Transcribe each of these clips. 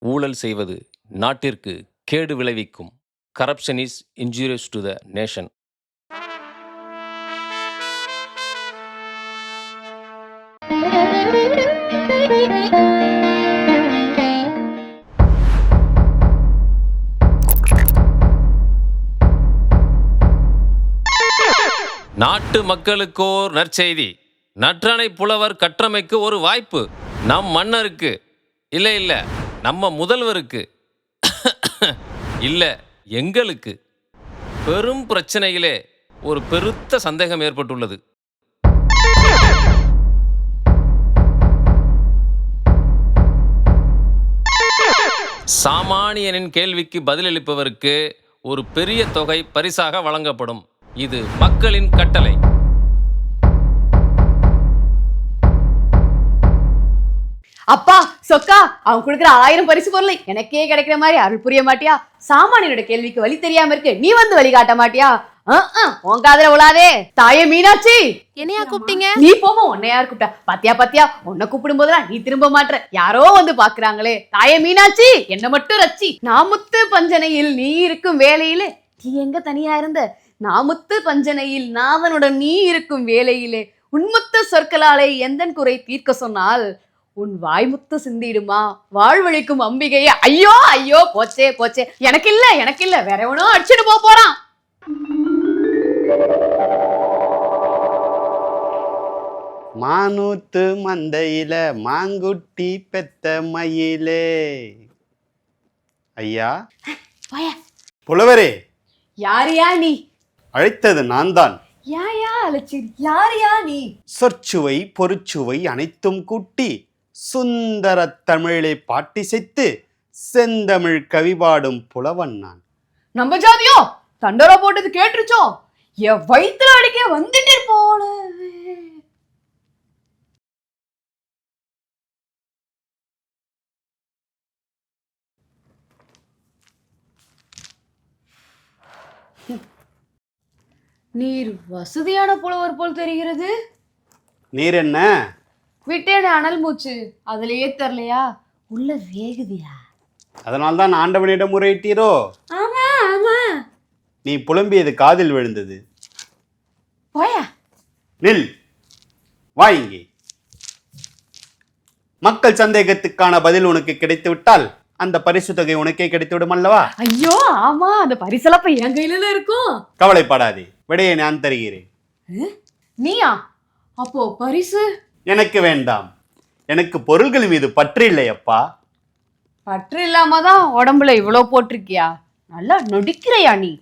ஊழல் செய்வது நாட்டிற்கு கேடு விளைவிக்கும். Corruption is injurious to the nation. நாட்டு மக்களுக்கோர் நற்செய்தி. நற்றனை புலவர் கற்றமைக்கு ஒரு வாய்ப்பு. நம் மன்னருக்கு இல்ல நம்ம முதல்வருக்கு இல்ல எங்களுக்கு பெரும் பிரச்சனையிலே ஒரு பெருத்த சந்தேகம் ஏற்பட்டுள்ளது. சாமானியனின் கேள்விக்கு பதிலளிப்பவருக்கு ஒரு பெரிய தொகை பரிசாக வழங்கப்படும். இது மக்களின் கட்டளை. அப்பா சொக்கா, அவன் கொடுக்குற 1000 பரிசு பொருளை எனக்கே கிடைக்கிற மாதிரி அருள் புரிய மாட்டியா? சாமானியனோட கேள்விக்கு வழி தெரியாம இருக்கு, நீ வந்து வழி காட்ட மாட்டியா? உன் காதுல உலாதே. தாயே மீனாட்சி, என்னையா கூப்பிட்டீங்க? நீ போமா, உன்னை யார் கூப்பிட்டா? பாத்தியா உன்னை கூப்பிடும் போதெல்லாம் நீ திரும்ப மாட்ற. யாரோ வந்து பாக்குறாங்களே. தாயே மீனாட்சி, என்ன மட்டும் ரச்சி. நாமுத்து பஞ்சனையில் நீ இருக்கும் வேலையிலே நீ எங்க தனியா இருந்த? நாமுத்து பஞ்சனையில் நாதனுடன் நீ இருக்கும் வேலையிலே உன்முத்து சொற்களாலே எந்தன் குறை தீர்க்க சொன்னால் உன் வாய்முத்து சிந்திடுமா வாழ்வழிக்கும் அம்பிகையே. ஐயோ ஐயோ, போச்சே. எனக்கு இல்ல வேற எவனோ அடிச்சுட்டு போறான். மானூத்து மந்தையில மாங்குட்டி பெத்த மயிலே. ஐயா புலவரே. யாரியா நீ? அழைத்தது நான் தான். யாயா அலச்சிர், யாரியா நீ? சொற்சுவை பொருட்சுவை அனைத்தும் கூட்டி சுந்தர தமிழை பாட்டிசைத்து செந்தமிழ் கவிபாடும் புலவன் நான். நம்ம ஜாதியோ தண்டோரா போட்டது கேட்டுருச்சோ? என் வயிற்றுல அடிக்க வந்துட்டு போன. நீர் வசதியான புலவர் போல் தெரிகிறது. நீர் என்ன விட்டேன அனல் மூச்சு, அதுலயே தெரியலையா? உள்ள வேகுதியா? அதனால்தான் ஆண்டவனிடம் முறையிட்டீரோ? ஆமா. நீ புலம்பியது காதில் விழுந்தது. போயா நில், வா இங்கே. மக்கள் சந்தேகத்துக்கான பதில் உனக்கு கிடைத்து விட்டால் அந்த பரிசு தொகை உனக்கே கிடைத்துவிடும் அல்லவா? ஐயோ ஆமா, அந்த பரிசலப்ப என் கையில இருக்கும். கவலைப்படாதே, விடையை நான் தருகிறேன். நீயா? அப்போ பரிசு எனக்கு வேண்டாம். எனக்கு பொருள்கள் மீது பற்று இல்லையப்பா. பற்று இல்லாம தான் உடம்புல இவ்வளவு போட்டிருக்கியா? நல்லா நடிக்கிறையா நீ?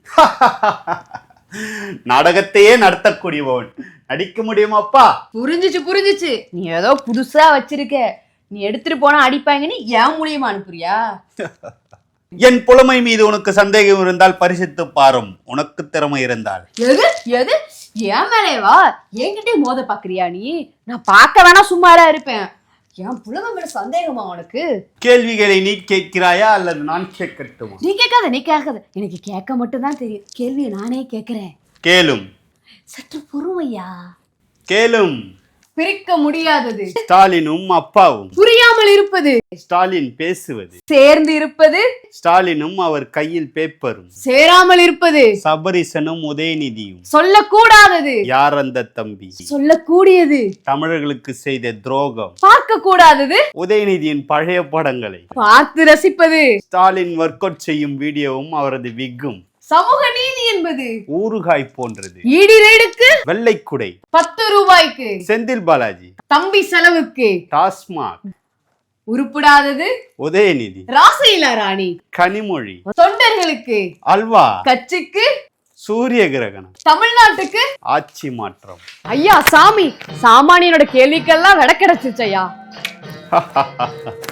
நாடகத்தையே நடத்தக்கூடியவன் நடிக்க முடியுமாப்பா? புரிஞ்சிச்சு. நீ ஏதோ புதுசா வச்சிருக்க, நீ எடுத்துட்டு போனா அடிப்பாங்கன்னு என் மூலியமா அனுப்புறியா? என் புலமை மீது உனக்கு சந்தேகம் இருந்தால் பரிசித்து பாரும், உனக்கு திறமை இருந்தால். எது என் மேலேவா? என்கிட்டே மோத பாக்குறியா நீ? நான் பார்க்க வேணா சும்மாரா இருப்பேன். என் புலமை மேல சந்தேகமா உனக்கு? கேள்விகளை நீ கேட்கிறாயா அல்லது நான் கேட்கட்டுமா? நீ கேட்காத. எனக்கு கேட்க மட்டும் தான் தெரியும். கேள்வியை நானே கேட்கிறேன். கேளும். சற்று பொறுமையா. கேளும். பிரிக்க முடியாதது ஸ்டாலினும் அப்பாவும். புரியாமல் இருப்பது ஸ்டாலின் பேசுவது. சேர்ந்து இருப்பது ஸ்டாலினும் அவர் கையில் பேப்பரும். சேராமல் இருப்பது சபரிசனும் உதயநிதியும். சொல்லக்கூடாதது யார் அந்த தம்பி? சொல்லக்கூடியது தமிழர்களுக்கு செய்த துரோகம். பார்க்க கூடாதது உதயநிதியின் பழைய படங்களை பார்த்து ரசிப்பது. ஸ்டாலின் ஒர்க் அவுட் செய்யும் வீடியோவும் அவரது விக்கும். சமூக நீதி என்பது ஊறுகாய் போன்றது. ஈடி ரைடுக்கு வெள்ளைக்குடை 10 ரூபாய்க்கு. செந்தில் பாலாஜி தம்பி செலவுக்கு டாஸ்மாக். உருப்படாதது உதயநிதி. ராசையிலா ராணி கனிமொழி. தொண்டர்களுக்கு அல்வா. கட்சிக்கு சூரிய கிரகணம். தமிழ்நாட்டுக்கு ஆட்சி மாற்றம். ஐயா சாமி, சாமானியனோட கேள்விக்கெல்லாம் விட கிடைச்சிச்சு ஐயா.